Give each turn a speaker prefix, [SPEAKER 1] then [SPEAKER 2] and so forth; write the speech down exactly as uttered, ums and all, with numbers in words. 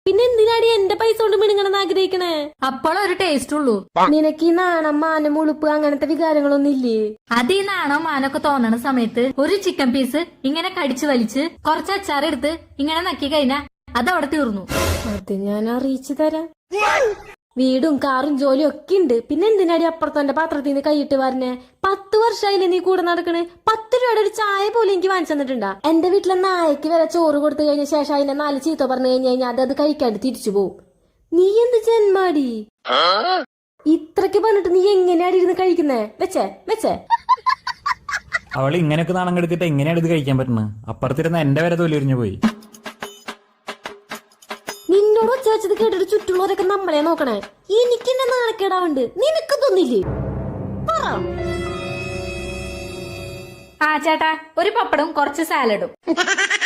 [SPEAKER 1] പിന്നെ എന്തിനാടി എന്റെ പൈസ കൊണ്ട് മിണുങ്ങണെന്ന് ആഗ്രഹിക്കണേ?
[SPEAKER 2] അപ്പോഴൊരു ടേസ്റ്റ് ഉള്ളൂ.
[SPEAKER 1] നിനക്ക് ഈ നാണം, മാനം, ഉളുപ്പ് അങ്ങനത്തെ വികാരങ്ങളൊന്നും ഇല്ലേ?
[SPEAKER 2] അത് ഈ നാണോ മാനൊക്കെ തോന്നണ സമയത്ത് ഒരു ചിക്കൻ പീസ് ഇങ്ങനെ കടിച്ചു വലിച്ച് കുറച്ച് അച്ചാറെടുത്ത് ഇങ്ങനെ നക്കി കഴിഞ്ഞാ അതവിടെ തീർന്നു.
[SPEAKER 1] അത് ഞാൻ അറിയിച്ചു തരാം. വീടും കാറും ജോലിയും ഒക്കെ ഉണ്ട്. പിന്നെ എന്തിനാടി അപ്പുറത്തെ പാത്രത്തിൽ നിന്ന് കൈയിട്ട് വരണേ? പത്ത് വർഷമായില്ലേ നീ കൂടെ നടക്കണേ? പത്ത് രൂപയുടെ ഒരു ചായ പോലും എനിക്ക് വാങ്ങിച്ചു തന്നിട്ടുണ്ടാ? എന്റെ വീട്ടിലെ നായക്ക് വരെ ചോറ് കൊടുത്തു കഴിഞ്ഞ ശേഷം അതിനെ നാല് ചീത്ത പറഞ്ഞു കഴിഞ്ഞു കഴിഞ്ഞാൽ അത് അത് കഴിക്കാണ്ട് തിരിച്ചു പോവും. നീ എന്ത് ജന്മാടി? ഇത്രക്ക് പറഞ്ഞിട്ട് നീ എങ്ങനെയാടി ഇരുന്ന് കഴിക്കുന്നേ? വെച്ചേ വെച്ചേ
[SPEAKER 3] അവൾ ഇങ്ങനെയൊക്കെ നാണം കെടുത്തിട്ട് എങ്ങനെയാണ് ഇത് കഴിക്കാൻ പറ്റുന്നത്? അപ്പുറത്തിരുന്ന എന്റെ വരെ തൊലിരിഞ്ഞു പോയി.
[SPEAKER 1] നിന്നോട് ഒച്ച വെച്ചത് കേട്ടിട്ട് ചുറ്റുള്ളവരൊക്കെ നമ്മളെ നോക്കണേ. എനിക്ക് എന്നെ നാണക്കേടാവുണ്ട്. നിനക്ക് തോന്നില്ലേ? പറ.
[SPEAKER 2] ആ ചേട്ടാ, ഒരു പപ്പടും കുറച്ച് സാലഡും.